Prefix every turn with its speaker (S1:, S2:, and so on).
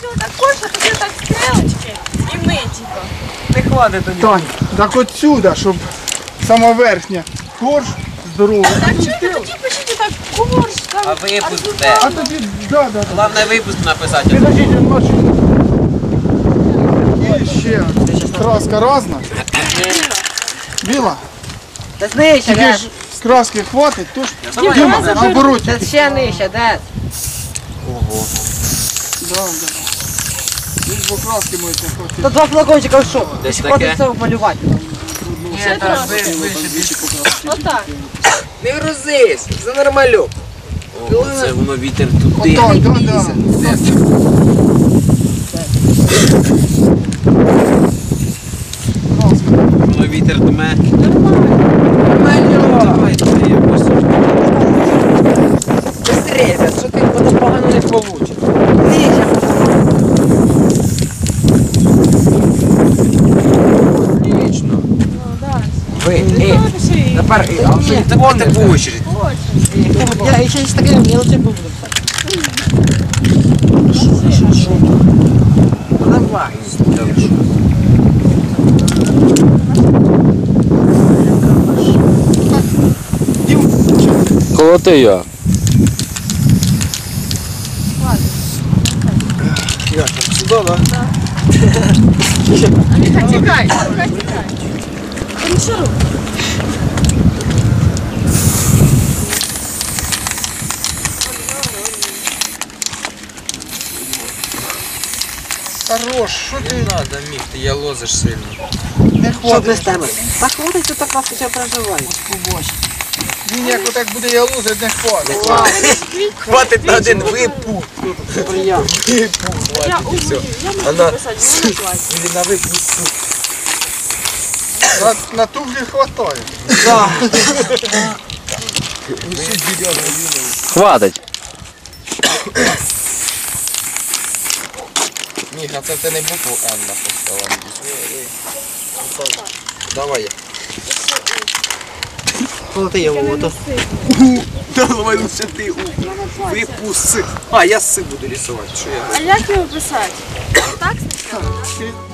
S1: хотіла так корж, а тоді так стрелочки і ми, типу.
S2: Не хватить тобі.
S3: Тань, так отсюда, щоб сама верхня корж здорова.
S1: Так чуєте, тоді пишіть так корж, там,
S4: А випуск де?
S3: А тоді, да.
S4: Головне випуск написати.
S3: Підождіть, він бачить. І ще краска різна. Біла.
S2: Та нижче,
S3: Тільки
S2: Дед.
S3: ж краски хватить, то ж
S4: Давай,
S3: Діма,
S1: давай,
S3: наоборот.
S2: Та ще нижче, Дед.
S4: Ого.
S3: Да. Лиш бо краски можуть не хватити.
S2: Та два флакончика в що?
S4: Десь
S2: Ти
S4: таке?
S2: хочеш це малювати?
S1: Ще трошки. Отак.
S5: Не грузись, за нормальок.
S4: Ого, це воно вітер туди.
S3: Отак, да.
S4: Воно вітер дме.
S1: Нормально.
S4: Давай, давай, якось.
S5: Быстрее, Дед, що ти воно погано не получиш.
S2: Нижче.
S5: Отлично.
S1: Ну, да.
S5: Ви,
S1: Напиши.
S5: тепер, а вже не
S4: Давайте по очередь.
S2: Я ще з таким мілочим буду.
S5: давай.
S6: Колоти я.
S3: Сюди, да?
S1: А Міха, тікай, тікай. Та не шуруй.
S3: Хорош, що
S4: Не
S3: ти
S4: надо, Міх, ти я лозиш сильно.
S3: не
S2: Що без
S3: хватить?
S2: тебе? Та хватить, що так вас ще проживає.
S3: Він як отак буде ялузить, не хватить.
S5: Хватить на один випух.
S2: Приємно.
S1: Я умію, я можу
S5: Вона-
S1: писати, я не плачу.
S5: Или на випуск.
S3: На туфлі хватає.
S6: Хватить.
S5: Міх, а це ти не букву Н написала. Давай.
S2: Колоти його, ото.
S5: Давай лучше ти випуск. А, я с буду рисувати. Що я?
S1: А як його писати? Так спочатку?